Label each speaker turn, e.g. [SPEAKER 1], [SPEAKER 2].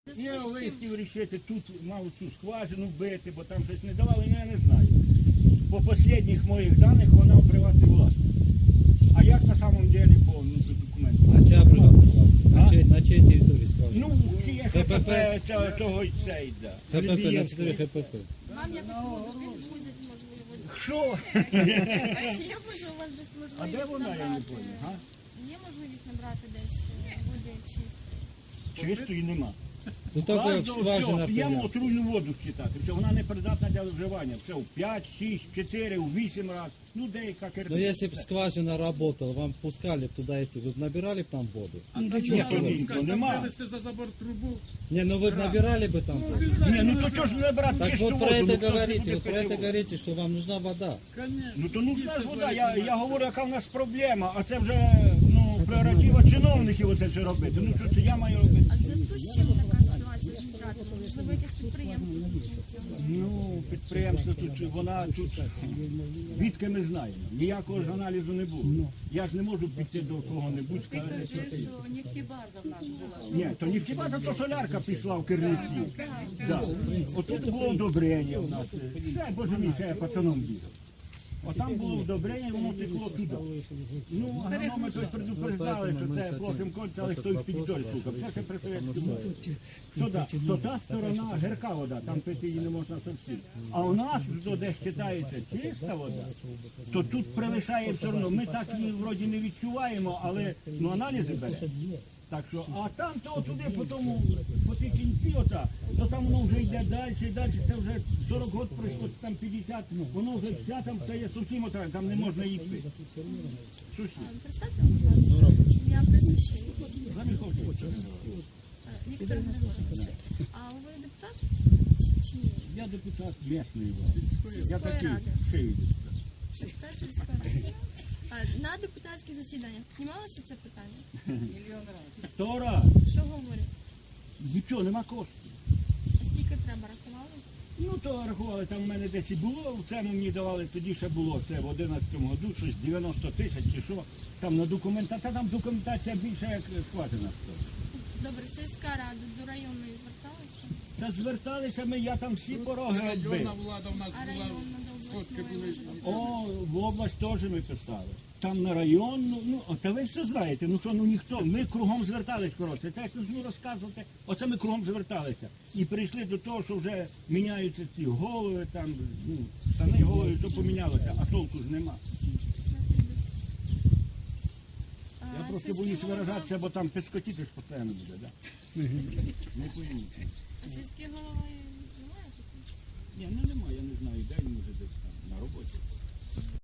[SPEAKER 1] Я вирішив рішити, тут мав цю скважину бити, бо там щось не давали, я не знаю. По останніх моїх даних вона в приватній власності. А як на самом деле по документам?
[SPEAKER 2] А чия приватна власність? На чиїй території скважина?
[SPEAKER 1] Ну, є ХПП, того й це йде.
[SPEAKER 2] ХПП, на 4 ХПП.
[SPEAKER 3] Вам якось воду відвозять, можливо.
[SPEAKER 1] Що?
[SPEAKER 3] Чи є може у вас десь можливість
[SPEAKER 1] А де вона, я не
[SPEAKER 3] набрати?
[SPEAKER 1] понял,
[SPEAKER 3] Є можливість набрати десь води чистої?
[SPEAKER 1] Чистої нема.
[SPEAKER 2] Ну так як скважина
[SPEAKER 1] П'ємо
[SPEAKER 2] прив'язана.
[SPEAKER 1] отруйну воду читати, все, вона не придатна для вживання. Все, в 5, 6, 4, в 8 разів. Ну, деяка
[SPEAKER 2] Но
[SPEAKER 1] кирпича.
[SPEAKER 2] если бы скважина работала, вам пускали б туда идти, вы бы набирали б там воду?
[SPEAKER 1] Ні, нема.
[SPEAKER 4] Вивести за забор трубу.
[SPEAKER 2] Не, ну вы бы набирали бы там воду?
[SPEAKER 1] Ні, ну то чого ж не брати
[SPEAKER 2] Так
[SPEAKER 1] чисту
[SPEAKER 2] вот про
[SPEAKER 1] воду?
[SPEAKER 2] это
[SPEAKER 1] Ну, хто ж
[SPEAKER 2] говорите,
[SPEAKER 1] буде
[SPEAKER 2] вот про
[SPEAKER 1] пити
[SPEAKER 2] это
[SPEAKER 1] воду?
[SPEAKER 2] говорите, что вам нужна вода.
[SPEAKER 4] Конечно.
[SPEAKER 1] Ну то ну це ж вода, я говорю, яка в нас проблема, а це вже прерогатива чиновників оце все робити. Ну що це я маю робити?
[SPEAKER 3] А в зв'язку з чим така ситуація з нітратами? Можливо, якесь підприємство тут функціонує?
[SPEAKER 1] Ну, підприємство тут, вона тут, відки ми знаємо, ніякого ж аналізу не було. Я ж не можу піти до кого-небудь, сказати, що це є.
[SPEAKER 5] Нефтебаза в нас була.
[SPEAKER 1] Ні, то нефтебаза, то солярка пішла в Кирниці. Да. Отут було удобрення в нас. Це, боже мій, це я пацаном бігав. Отам було удобрення, воно текло туди. Ну, агрономи тут предупреждали, що це плохим конче, але хтось піддоль слухав. Це ще при совєтському. То та сторона гірка вода, там пити її не можна зовсім. А у нас, то де вважається чиста вода, то тут превишає все одно. Ми так її вроді не відчуваємо, але аналізи бере. Так що, а там то туди по тому, по тій кінці ота, то там воно вже йде далі і далі, це вже 40 років пройшло, там 50, воно вже вся там стає зовсім ота, там не можна її пити. Що ще?
[SPEAKER 3] Представте, будь ласка, ім'я прізвище. Віктор Григорович. А ви депутат чи ні?
[SPEAKER 1] Я депутат місної влади. Я
[SPEAKER 3] Сільської
[SPEAKER 1] такий
[SPEAKER 3] ради.
[SPEAKER 1] шиї депутат.
[SPEAKER 3] Депутат сільської ради. На депутатських засіданнях знімалося це питання?
[SPEAKER 1] 100 раз.
[SPEAKER 3] Що говорять?
[SPEAKER 1] Нічого, нема коштів.
[SPEAKER 3] А скільки треба, рахували?
[SPEAKER 1] Ну, то рахували, там в мене десь і було, в цьому мені давали, тоді ще було, це в 11-му году, щось 90 тисяч чи що, там на документація, там документація більше як скважина.
[SPEAKER 3] Добре, сільська рада до районної зверталася?
[SPEAKER 1] Та зверталися ми, я там всі пороги
[SPEAKER 4] Районна
[SPEAKER 1] відбив.
[SPEAKER 4] влада в нас
[SPEAKER 3] А
[SPEAKER 4] була.
[SPEAKER 3] районна до
[SPEAKER 4] Сотки
[SPEAKER 3] обласної
[SPEAKER 4] були.
[SPEAKER 3] може бути?
[SPEAKER 1] О, в область теж ми писали. Там на район, та ви все знаєте, ніхто, ми кругом звертались, коротше, так як ну розказувати, оце ми кругом зверталися. І прийшли до того, що вже міняються ці голови, там, штани голови, то помінялося, а толку ж нема. Я просто
[SPEAKER 3] Сільський
[SPEAKER 1] боюсь
[SPEAKER 3] голова-
[SPEAKER 1] виражатися, бо там пискотіти ж постійно буде, так? Не пойміть.
[SPEAKER 3] А сільський голова немає такого?
[SPEAKER 1] Ні, немає, я не знаю, де він може